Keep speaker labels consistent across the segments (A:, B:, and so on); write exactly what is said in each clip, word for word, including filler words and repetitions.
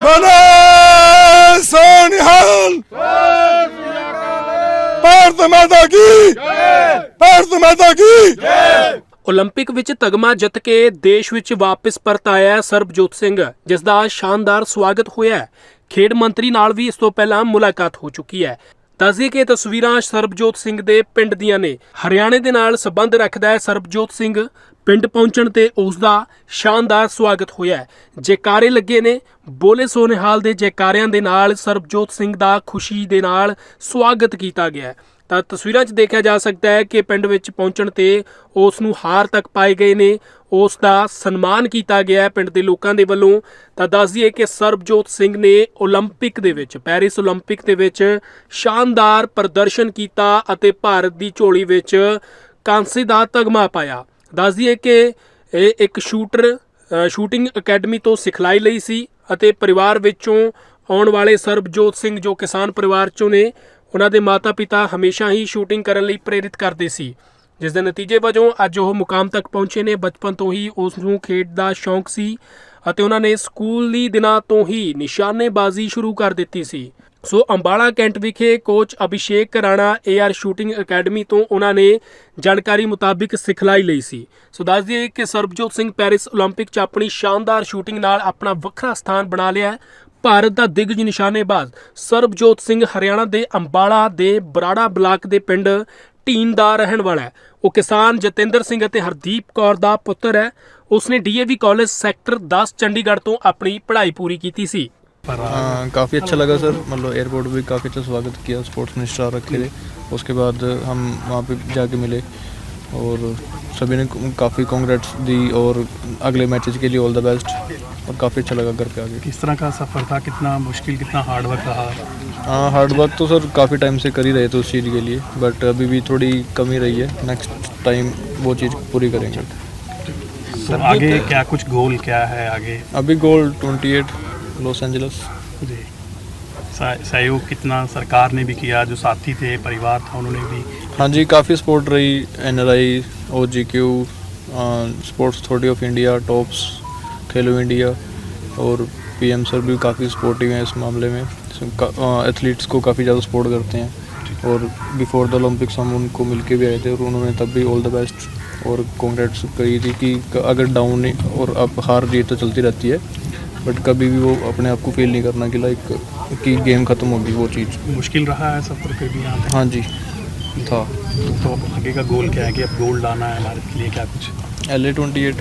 A: बोले सोनिहाल, भारत माता की, भारत माता की।
B: ਓਲੰਪਿਕ ਵਿੱਚ ਤਗਮਾ ਜਿੱਤ ਕੇ ਦੇਸ਼ ਵਿੱਚ ਵਾਪਸ ਪਰਤ ਆਇਆ ਸਰਬਜੋਤ ਸਿੰਘ, ਜਿਸ ਦਾ ਸ਼ਾਨਦਾਰ ਸਵਾਗਤ ਹੋਇਆ ਹੈ। ਖੇਡ ਮੰਤਰੀ ਨਾਲ ਵੀ ਇਸ ਤੋਂ ਪਹਿਲਾਂ ਮੁਲਾਕਾਤ ਹੋ ਚੁੱਕੀ ਹੈ। ਦੱਸਦੇ ਕਿ ਤਸਵੀਰਾਂ ਸਰਬਜੋਤ ਸਿੰਘ ਦੇ ਪਿੰਡ ਦੀਆਂ ਨੇ। ਹਰਿਆਣੇ ਦੇ ਨਾਲ ਸੰਬੰਧ ਰੱਖਦਾ ਹੈ ਸਰਬਜੋਤ ਸਿੰਘ। ਪਿੰਡ ਪਹੁੰਚਣ ਤੇ ਉਸ ਦਾ ਸ਼ਾਨਦਾਰ ਸਵਾਗਤ ਹੋਇਆ ਹੈ। ਜੈਕਾਰੇ ਲੱਗੇ ਨੇ। ਬੋਲੇ ਸੋਨਿਹਾਲ ਦੇ ਜੈਕਾਰਿਆਂ ਦੇ ਨਾਲ ਸਰਬਜੋਤ ਸਿੰਘ ਦਾ ਖੁਸ਼ੀ ਦੇ ਨਾਲ ਸਵਾਗਤ ਕੀਤਾ ਗਿਆ ਹੈ। ਤਾਂ ਤਸਵੀਰਾਂ 'ਚ ਦੇਖਿਆ ਜਾ ਸਕਦਾ ਹੈ ਕਿ ਪਿੰਡ ਵਿੱਚ ਪਹੁੰਚਣ ਤੇ ਉਸ ਨੂੰ ਹਾਰ ਤੱਕ ਪਾਏ ਗਏ ਨੇ। ਉਸ ਦਾ ਸਨਮਾਨ ਕੀਤਾ ਗਿਆ ਹੈ ਪਿੰਡ ਦੇ ਲੋਕਾਂ ਦੇ ਵੱਲੋਂ। ਤਾਂ ਦੱਸ ਦਈਏ ਕਿ ਸਰਬਜੋਤ ਸਿੰਘ ਨੇ ਓਲੰਪਿਕ ਦੇ ਵਿੱਚ, ਪੈਰਿਸ ਓਲੰਪਿਕ ਦੇ ਵਿੱਚ ਸ਼ਾਨਦਾਰ ਪ੍ਰਦਰਸ਼ਨ ਕੀਤਾ ਅਤੇ ਭਾਰਤ ਦੀ ਝੋਲੀ ਵਿੱਚ ਕਾਂਸੇ ਦਾ ਤਗਮਾ ਪਾਇਆ। ਦੱਸ ਦਈਏ ਕਿ ਇਹ ਇੱਕ ਸ਼ੂਟਰ ਸ਼ੂਟਿੰਗ ਅਕੈਡਮੀ ਤੋਂ ਸਿਖਲਾਈ ਲਈ ਸੀ ਅਤੇ ਪਰਿਵਾਰ ਵਿੱਚੋਂ ਆਉਣ ਵਾਲੇ ਸਰਬਜੋਤ ਸਿੰਘ ਜੋ ਕਿਸਾਨ ਪਰਿਵਾਰ 'ਚੋਂ ਨੇ, ਉਹਨਾਂ ਦੇ ਮਾਤਾ ਪਿਤਾ ਹਮੇਸ਼ਾ ਹੀ ਸ਼ੂਟਿੰਗ ਕਰਨ ਲਈ ਪ੍ਰੇਰਿਤ ਕਰਦੇ ਸੀ, ਜਿਸ ਦੇ ਨਤੀਜੇ ਵਜੋਂ ਅੱਜ ਉਹ ਮੁਕਾਮ ਤੱਕ ਪਹੁੰਚੇ ਨੇ। ਬਚਪਨ ਤੋਂ ਹੀ ਉਸ ਨੂੰ ਖੇਡ ਦਾ ਸ਼ੌਂਕ ਸੀ ਅਤੇ ਉਹਨਾਂ ਨੇ ਸਕੂਲੀ ਦਿਨਾਂ ਤੋਂ ਹੀ ਨਿਸ਼ਾਨੇਬਾਜ਼ੀ ਸ਼ੁਰੂ ਕਰ ਦਿੱਤੀ ਸੀ। ਸੋ ਅੰਬਾਲਾ ਕੈਂਟ ਵਿਖੇ coach Abhishek Rana AR shooting academy ਤੋਂ ਉਹਨਾਂ ਨੇ ਜਾਣਕਾਰੀ ਮੁਤਾਬਿਕ ਸਿਖਲਾਈ ਲਈ ਸੀ। ਸੋ ਦੱਸ ਦਈਏ ਕਿ ਸਰਬਜੋਤ ਸਿੰਘ ਪੈਰਿਸ ਓਲੰਪਿਕ 'ਚ ਆਪਣੀ ਸ਼ਾਨਦਾਰ ਸ਼ੂਟਿੰਗ ਨਾਲ ਆਪਣਾ ਵੱਖਰਾ ਸਥਾਨ ਬਣਾ ਲਿਆ ਹੈ। ਭਾਰਤ ਦਾ ਦਿੱਗਜ ਨਿਸ਼ਾਨੇਬਾਜ਼ ਸਰਬਜੋਤ ਸਿੰਘ ਹਰਿਆਣਾ ਦੇ ਅੰਬਾਲਾ ਦੇ ਬਰਾੜਾ ਬਲਾਕ ਦੇ ਪਿੰਡ ਢੀਂਡ ਦਾ ਰਹਿਣ ਵਾਲਾ ਹੈ। ਉਹ ਕਿਸਾਨ ਜਤਿੰਦਰ ਸਿੰਘ ਅਤੇ ਹਰਦੀਪ ਕੌਰ ਦਾ ਪੁੱਤਰ ਹੈ। ਉਸਨੇ ਡੀਏਵੀ ਕਾਲਜ ਸੈਕਟਰ ਦਸ ਚੰਡੀਗढ़ ਤੋਂ ਆਪਣੀ ਪੜ੍ਹਾਈ ਪੂਰੀ ਕੀਤੀ ਸੀ।
C: हाँ, काफ़ी अच्छा लगा सर। मतलब एयरपोर्ट भी काफ़ी अच्छा स्वागत किया, स्पोर्ट्स मिनिस्टर रखे थे। उसके बाद हम वहाँ पे जाके मिले और सभी ने काफ़ी कांग्रेट्स दी और अगले मैचेस के लिए ऑल द बेस्ट, और काफ़ी अच्छा लगा घर पे आके।
D: किस तरह का सफ़र था, कितना मुश्किल, कितना हार्ड वर्क रहा?
C: हाँ, हार्ड वर्क तो सर काफ़ी टाइम से कर ही रहे थे उस चीज़ के लिए, बट अभी भी थोड़ी कमी रही है। नेक्स्ट टाइम वो चीज़ पूरी करेंगे।
D: तो आगे क्या कुछ गोल क्या है आगे?
C: अभी goal twenty eight Los Angeles
D: जी। सहयोग कितना सरकार ने भी किया, जो साथी थे परिवार था उन्होंने भी?
C: हाँ जी, काफ़ी सपोर्ट रही। N R I, O G Q, Sports Authority of India, TOPS, Khelo India और पी एम सर भी काफ़ी सपोर्टिव हैं इस मामले में। एथलीट्स को काफ़ी ज़्यादा सपोर्ट करते हैं और बिफोर द ओलंपिक्स हम उनको मिल के भी आए थे और उन्होंने तब भी ऑल द बेस्ट और कांग्रेट्स कही थी कि अगर डाउन और अब हार जीत तो चलती रहती है, बट कभी भी वो अपने आप को फील नहीं करना कि लाइक कि गेम ख़त्म होगी। वो चीज़
D: मुश्किल रहा है सफ़र पे भी यहाँ पे?
C: हाँ जी था।
D: तो अब आगे का गोल क्या है कि अब गोल्ड लाना है भारत के लिए, क्या कुछ?
C: एल ए ट्वेंटी एट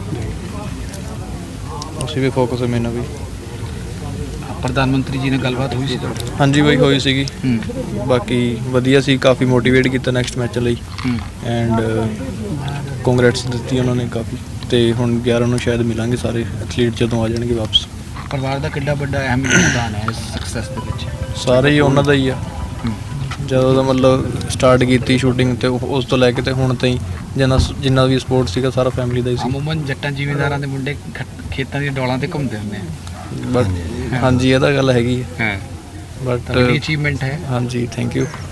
C: उसी पे फोकस है मैंने भी।
E: प्रधानमंत्री जी ने गलबात हुई सी?
C: हाँ जी, वही होई सीगी। बाकी वधिया सी, काफ़ी मोटिवेट किया नेक्स्ट मैच ਲਈ एंड कांग्रेट्स ਦਿੱਤੀ ਉਹਨਾਂ ਨੇ ਕਾफ़ी। ਤੇ ਹੁਣ ਗਿਆਰਾਂ ਨੂੰ ਸ਼ਾਇਦ ਮਿਲਾਂਗੇ ਸਾਰੇ ਐਥਲੀਟ ਜਦੋਂ ਆ ਜਾਣਗੇ ਵਾਪਸ।
E: ਪਰਿਵਾਰ ਦਾ ਕਿੰਨਾ ਵੱਡਾ ਅਹਿਮ ਯੋਗਦਾਨ ਹੈ ਇਸ ਸਕਸੈਸ ਦੇ ਵਿੱਚ?
C: ਸਾਰੇ ਹੀ ਉਹਨਾਂ ਦਾ ਹੀ ਆ। ਜਦੋਂ ਦਾ ਮਤਲਬ ਸਟਾਰਟ ਕੀਤੀ ਸ਼ੂਟਿੰਗ ਤੇ ਉਸ ਤੋਂ ਲੈ ਕੇ ਤੇ ਹੁਣ ਤਾਈਂ ਜਿੰਨਾ ਜਿੰਨਾ ਵੀ ਸਪੋਰਟ ਸੀਗਾ ਸਾਰਾ ਫੈਮਿਲੀ ਦਾ ਹੀ ਸੀ।
E: ਅਮੂਮਨ ਜੱਟਾਂ ਜ਼ਿਮੀਂਦਾਰਾਂ ਦੇ ਮੁੰਡੇ ਖੇਤਾਂ ਦੀਆਂ ਡੋਲਾਂ ਤੇ ਘੁੰਮਦੇ ਹੁੰਦੇ ਆ।
C: ਬਟ ਹਾਂਜੀ, ਇਹ ਤਾਂ ਗੱਲ ਹੈਗੀ ਹੈ।
E: ਹਾਂ,
C: ਬਟ
E: ਬੜੀ ਅਚੀਵਮੈਂਟ ਹੈ।
C: ਹਾਂਜੀ, ਥੈਂਕ ਯੂ।